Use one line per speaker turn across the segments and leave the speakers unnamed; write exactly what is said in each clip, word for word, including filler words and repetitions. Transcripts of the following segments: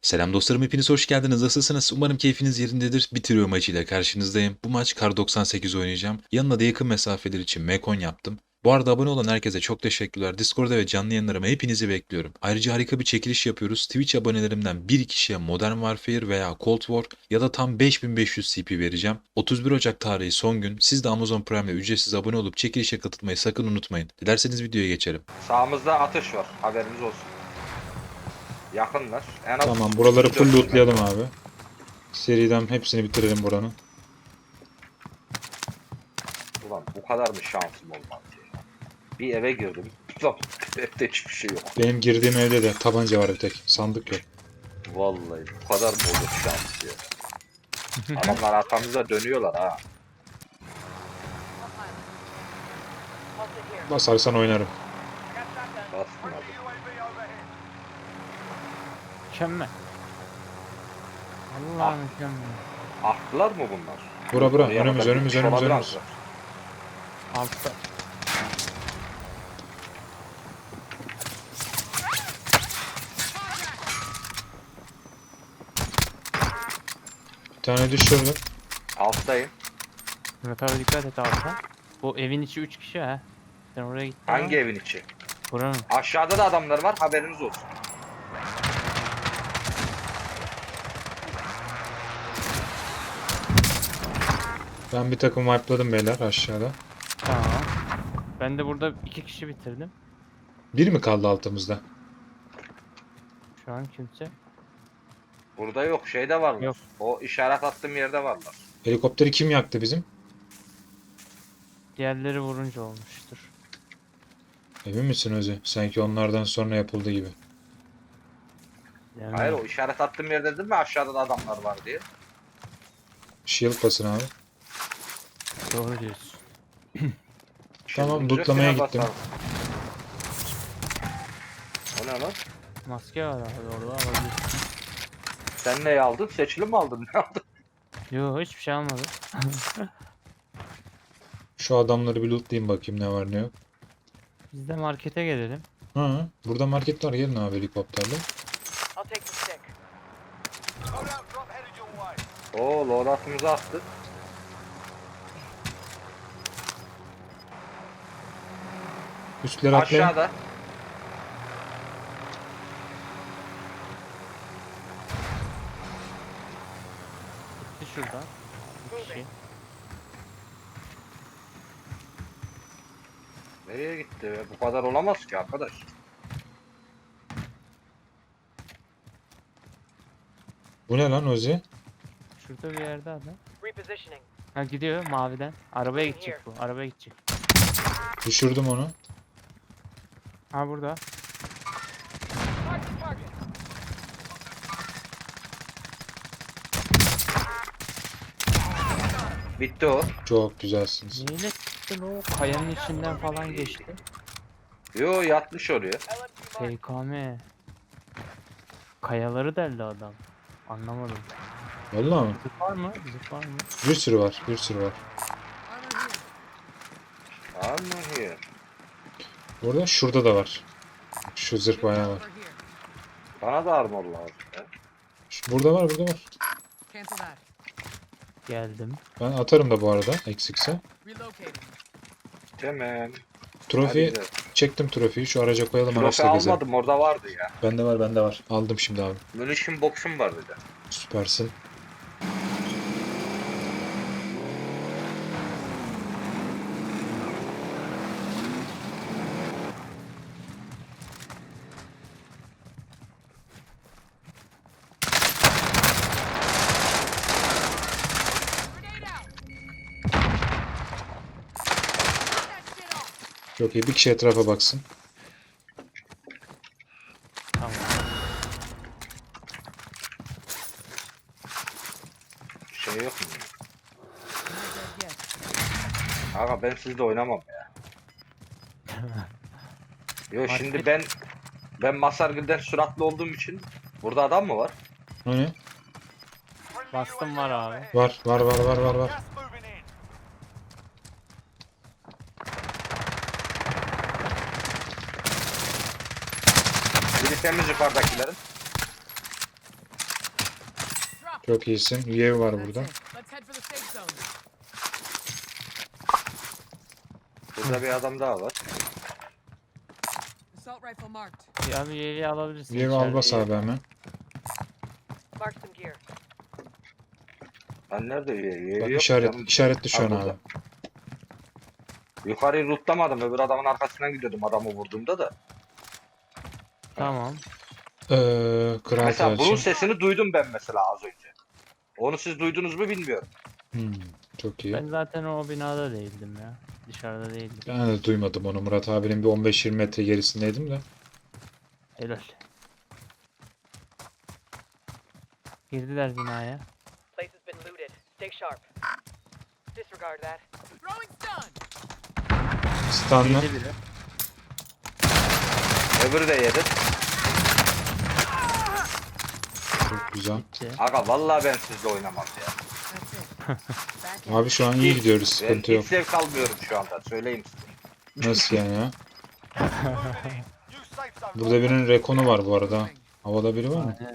Selam dostlarım, hepiniz hoş geldiniz. Nasılsınız? Umarım keyfiniz yerindedir. Bitiriyor maçıyla karşınızdayım. Bu maç Kar doksan sekiz oynayacağım. Yanına da yakın mesafeler için Mekon yaptım. Bu arada abone olan herkese çok teşekkürler. Discord'da ve canlı yayınlarıma hepinizi bekliyorum. Ayrıca harika bir çekiliş yapıyoruz. Twitch abonelerimden bir kişiye Modern Warfare veya Cold War ya da tam beş bin beş yüz C P vereceğim. otuz bir Ocak tarihi son gün. Siz de Amazon Prime'le ücretsiz abone olup çekilişe katılmayı sakın unutmayın. Dilerseniz videoya geçelim.
Sağımızda atış var. Haberiniz olsun. Yakınlar. En az
Tamam, buraları
üç
full
dört
lootlayalım
metre.
abi. Seriden hepsini bitirelim buranın.
Ulan bu kadar mı şansım olmaz ya? Bir eve girdim. Ulan evde hiçbir şey yok.
Benim girdiğim evde de tabanca var bir tek. Sandık yok.
Vallahi bu kadar mı olur şans ya? Adamlar arkamıza dönüyorlar ha.
Basarsan oynarım.
Bastın abi.
Mükemmel. Allah
Ah.
mükemmel.
Aklılar mı bunlar?
Bura bura.
Oraya
Önümüz
kadar
önümüz
gitmiş
önümüz önümüz.
olabilirler.
Altta.
Bir tane düşürdüm.
Alttayım.
Murat abi dikkat et altta. Bu evin içi üç kişi ha. Sen oraya gittin
Hangi
ama.
evin içi?
Buranın.
Aşağıda da adamlar var. Haberiniz olsun.
Ben bir takım wipe'ladım beyler aşağıda.
Tamam. Ben de burada iki kişi bitirdim.
Bir mi kaldı altımızda?
Şu an kimse.
Burada yok. Şeyde varlar.
Yok.
O işaret attığım yerde varlar.
Helikopteri kim yaktı bizim?
Diğerleri vurunca olmuştur.
Emin misin Özü? Sanki onlardan sonra yapıldı gibi.
Yani
Hayır o işaret attığım yerde dedim mi aşağıda da adamlar var diye.
Shield basın abi.
doğru diyorsun.
Tamam,
Çılgınca
lootlamaya
frene
gittim.
basarım. O ne lan?
Maske var abi orada alabilirsin.
Sen neyi aldın? Seçili mi aldın? Ne aldın?
Yo hiçbir şey almadım.
Şu adamları bir lootlayayım bakayım ne var ne yok.
Biz de markete gelelim.
Ha, burada market var, gelin abi helikopterle.
I'll take the stick. Loadout drop headed your way.
Oo loadout'umuzu attık.
Üstleri atlayın.
Aşağıda.
Gitti şuradan. Bir kişi.
Nereye gitti? be? Bu kadar olamaz ki arkadaş.
Bu ne lan Özü?
Şurada bir yerde adam.
Repositioning.
Ha gidiyor maviden. Arabaya gidecek bu. Arabaya gidecek.
Düşürdüm onu.
Ha burada.
Target target.
Bitti o.
Çok güzelsiniz.
Neyle çıktın o? Kayanın içinden falan geçti.
Yo yatmış oraya.
L M G mark.
P K M. Kayaları deldi adam. Anlamadım.
Vallahi mı?
Zıp var mı? Zıp var mı?
Bir sürü var, bir sürü var.
Ama here.
Burada şurada da var. Şu zırh bayağı var.
Bana da armor lazım. ya.
Şu- Burada var, burada var.
Cancel that.
Geldim.
Ben atarım da bu arada eksikse.
Relocating.
Tamam. Hadi
Trofi
gidelim.
çektim, trofiyi şu araca koyalım,
Trofe
araçla gezelim.
almadım orada vardı ya.
Bende var, bende var. Aldım şimdi abi.
Munition box'um var bir de.
Süpersin.
Grenade out. That shit off.
Çok iyi. Bir kişi etrafa baksın.
Tamam.
Şey yok mu?
Yes.
Aga ben sizle oynamam ya. Yo şimdi
Market-
ben ben Masargül'den süratli olduğum için burada adam mı var?
O ne?
Bastım var abi.
Var, var, var, var, var, var.
Gas moving in.
Biri temiz yukarıdakilerin.
Çok iyisin. U A V var
That's
burada.
it. Let's head for the safe zone.
Burada bir adam daha var.
Assault rifle marked.
Bir abi U A V alabilirsin.
U A V al
içeride
bas
U A V.
abi hemen.
Mark some gear.
Ben nerede üye?
Bak
Yok
işaret,
canım.
işaretli şu
Ha,
an
burada.
abi.
Yukarıyı rootlamadım. Öbür adamın arkasından gidiyordum adamı vurduğumda da.
Tamam.
Ee, kral
Mesela bunun
için.
sesini duydum ben mesela az önce. Onu siz duydunuz mu bilmiyorum.
Hmm, çok iyi.
Ben zaten o binada değildim ya. Dışarıda değildim.
Ben de duymadım onu. Murat abinin bir on beş yirmi metre gerisindeydim de.
Helal. Girdiler binaya.
Place has been looted. Stay sharp. Disregard that.
Throwing stun.
Stun'la.
Girdi biri.
Öbürü de yedi.
Çok güzel.
Gitti.
Aga vallahi ben sizle oynamam ya.
That's it. Back in.
Abi şu an iyi gidiyoruz.
Ben
Sıkıntı
hiç
yok.
zevk almıyorum şu anda. Söyleyeyim size.
Nasıl yani ya?
Moving in. New safe zone.
Burada birinin rekonu var bu arada. Havada biri var mı?
Aynen.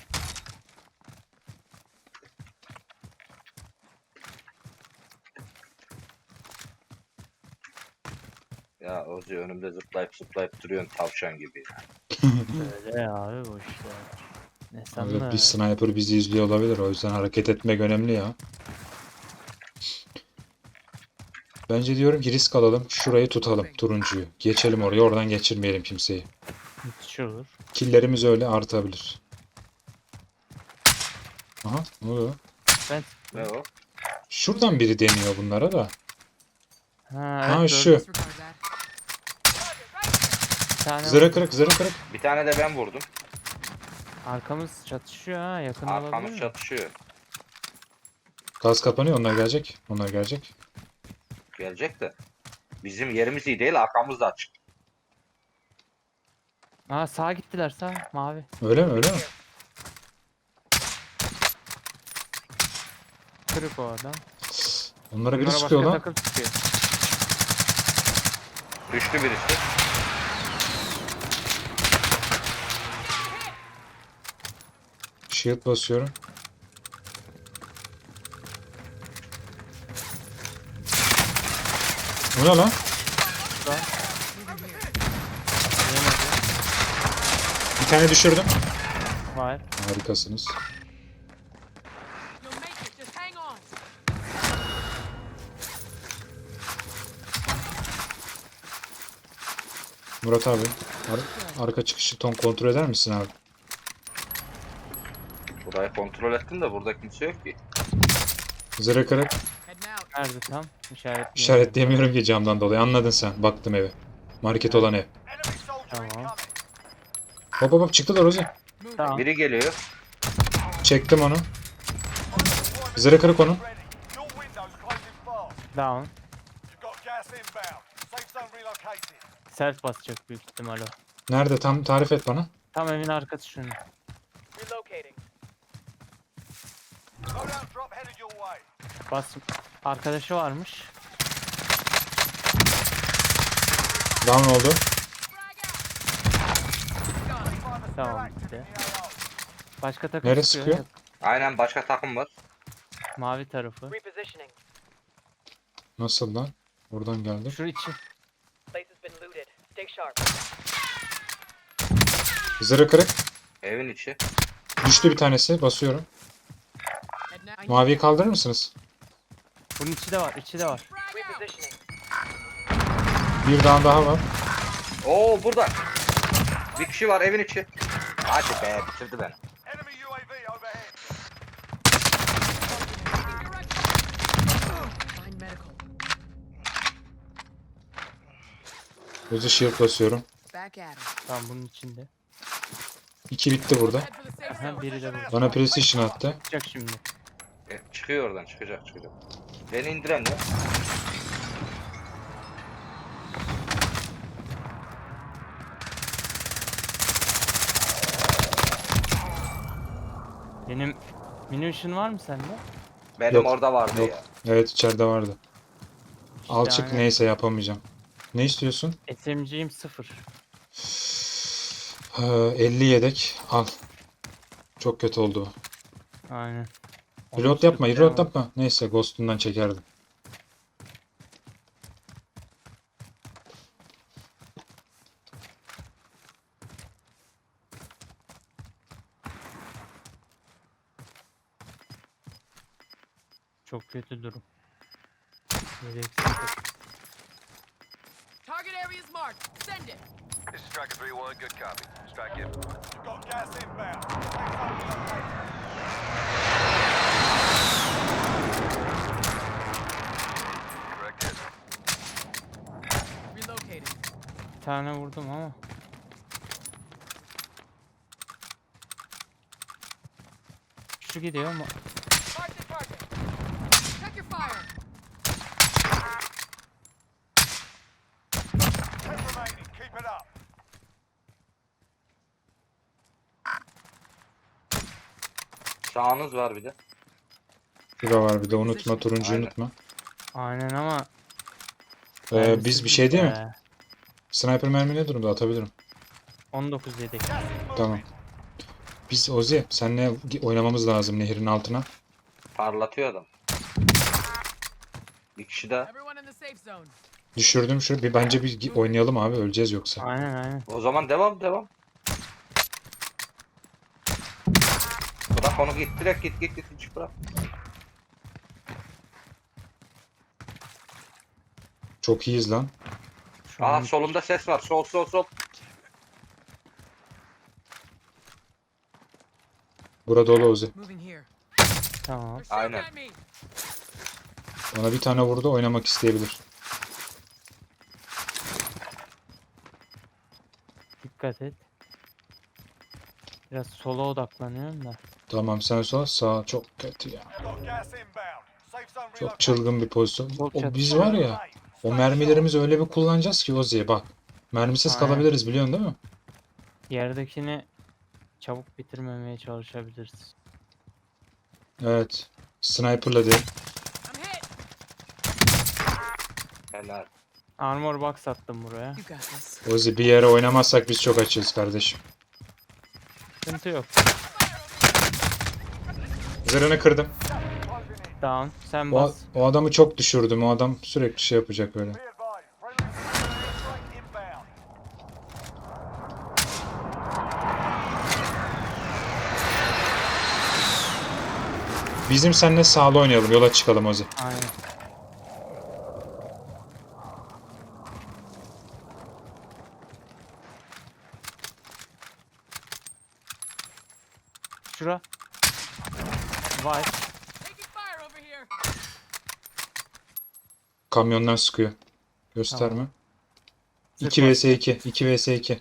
Ya Ozi önümde zıplayıp zıplayıp duruyorsun tavşan gibi. ya.
Öyle ya abi bu işte. Ne
Evet,
sandın?
bir sniper bizi izliyor olabilir. O yüzden hareket etmek önemli ya. Bence diyorum ki risk alalım. Şurayı tutalım. Turuncuyu. Geçelim oraya. Oradan geçirmeyelim kimseyi.
Müthiş olur.
Killerimiz öyle artabilir. Aha, ne oluyor?
Ben
Ne o?
Şuradan biri deniyor bunlara da.
ha,
Ha
evet,
şu.
gördüm.
Disregard that.
Bir tane
Zırı kırık, zırı kırık.
Bir tane de ben vurdum.
arkamız çatışıyor ha, yakın olabilir
Arkamız
mi?
çatışıyor.
Gaz kapanıyor. Onlar gelecek. Onlar gelecek.
Gelecek de. Bizim yerimiz iyi değil, arkamız da açık.
Ha sağa gittiler, sağ mavi.
Öyle mi? Öyle mi?
Kırık o adam.
Onlara biri
Bunlara
sıkıyor
başka
lan.
takım sıkıyor.
Düştü birisi.
Shield basıyorum. Bu ne lan?
Burada. Yemedi.
Bir tane düşürdüm.
Var.
Harikasınız.
You'll make it. Just hang on.
Murat abi. ar- arka çıkışı ton kontrol eder misin abi?
Burayı kontrol ettim de burada kimse yok ki.
Zırı kırık.
Heading out.
Nerede tam? İşaret.
İşaretleyemiyorum ki camdan dolayı. Anladın sen. Baktım eve. Market olan ev.
Enemy soldier
Tamam.
incoming.
Hop hop hop çıktılar Ozi.
Move.
Tamam.
Biri geliyor.
Çektim onu. Zırı kırık onun.
Ready. Your window's closing fast.
Down.
You've got gas inbound. Safe zone relocated.
Self basacak büyük ihtimal o.
Nerede? Tam tarif et bana.
Tam evin arkası şunu.
Relocating.
Loadout drop headed your way.
Bas. Arkadaşı varmış.
Down oldu.
Tamam gitti. Başka takım
Nereye
sıkıyor.
sıkıyor?
Aynen başka takım var.
Mavi tarafı.
Repositioning.
Nasıl lan? Buradan geldik.
Place
Şu içi.
has been looted. Stay sharp.
Zırı kırık.
Evin içi.
Düştü bir tanesi. Basıyorum.
Heading out.
Maviyi kaldırır mısınız?
Bunun içi de var. içi de var.
Repositioning.
Bir tane daha var.
Oo burada. Bir kişi var evin içi. Hadi be bitirdi beni.
Enemy U A V overhead.
Find medical.
Ozi shield basıyorum.
Back at him.
Tamam bunun içinde.
İki bitti burada.
Head for the safe
Ha,
zone.
biri de burada.
Bana precision attı.
Çıkacak şimdi.
E, çıkıyor oradan çıkacak çıkacak. Beni indiren ne?
Benim munition var mı sende?
Benim
Yok,
orada vardı
yok.
ya.
Evet içeride vardı.
İşte
Alçık
aynen.
neyse yapamayacağım. Ne istiyorsun?
S M G'im sıfır.
Ee, elli yedek. Al. Çok kötü oldu.
Aynen.
Reload yapma, reload yapma. Neyse Ghost'undan çekerdim.
Çok kötü durum. Gereksiz.
Target area is marked. Send it.
This is Striker three one, good copy. Strike it. You've got gas inbound. Correct hit.
Relocated.
Bir tane vurdum ama. Şu gidiyor ama.
Mark the target. Check your fire.
Ten remaining, keep it up.
Sağınız var bir de.
Şurada var bir de unutma, turuncuyu
Aynen.
unutma.
Aynen ama.
Ee,
mermisi
biz bir şey değil mi?
be.
Sniper mermi ne durumda? Atabilirim.
on dokuz yedek.
Gas is moving.
Tamam. Biz Ozi seninle oynamamız lazım nehrin altına.
Parlatıyor adam. Bir kişi daha.
Everyone in the safe zone.
Düşürdüm şu. Bir bence bir gi- oynayalım abi, öleceğiz yoksa.
Aynen aynen.
O zaman devam devam. Bırak onu git direkt git git git hiç bırak.
Çok iyiyiz lan.
Şu
Aa
an
solumda ses var. Sol sol sol.
Burada dolu Ozi.
Moving here.
tamam.
They're shooting
Aynen.
at me.
Bana bir tane vurdu, oynamak isteyebilir.
Dikkat et. Biraz sola odaklanıyorum da.
Tamam sen sol, sağ çok kötü ya.
You've got gas inbound. Safe zone
Çok
relocated.
çılgın bir pozisyon.
Çok
O
çatı.
biz var ya, o mermilerimizi öyle bir kullanacağız ki Ozi'ye bak. Mermisiz
Aynen.
kalabiliriz biliyorsun değil mi?
Yerdekini çabuk bitirmemeye çalışabiliriz.
Evet. Sniper'la değil.
I'm hit.
Helal.
Armor box attım buraya.
You got this.
Ozi bir yere oynamazsak biz çok açığız kardeşim.
Sıkıntı yok.
Zırhını kırdım.
Down. Sen
O,
bas.
o adamı çok düşürdüm. O adam sürekli şey yapacak böyle.
Be advised. Friendly strike inbound.
Bizim seninle sağlı oynayalım. Yola çıkalım Ozi.
Aynen. Şura. Var.
Taking fire over here.
Kamyondan sıkıyor. Gösterme.
Tamam.
iki vs iki. iki vs iki.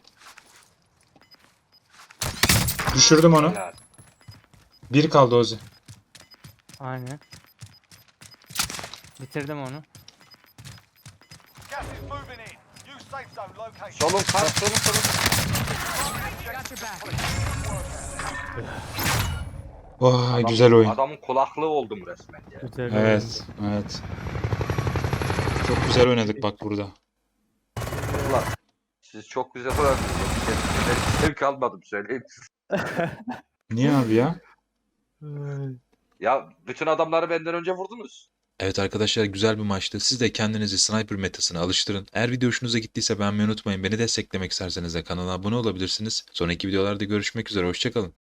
Düşürdüm onu.
Helal.
Bir kaldı Ozi.
Aynen. Bitirdim onu.
Gas is moving in. Use safe zone location.
Solun kar solun solun.
Got your back.
Vay
Adam-
güzel oyun.
Adamın kulaklığı oldum resmen ya.
Güzel.
Evet, evet. Çok güzel oynadık bak burada.
Ulan siz çok güzel oynadınız. Ben zevk almadım söyleyeyim size.
Niye abi ya?
Ya bütün adamları benden önce vurdunuz.
Evet arkadaşlar, güzel bir maçtı. Siz de kendinizi sniper metasına alıştırın. Eğer video hoşunuza gittiyse beğenmeyi unutmayın. Beni desteklemek isterseniz de kanala abone olabilirsiniz. Sonraki videolarda görüşmek üzere. Hoşçakalın.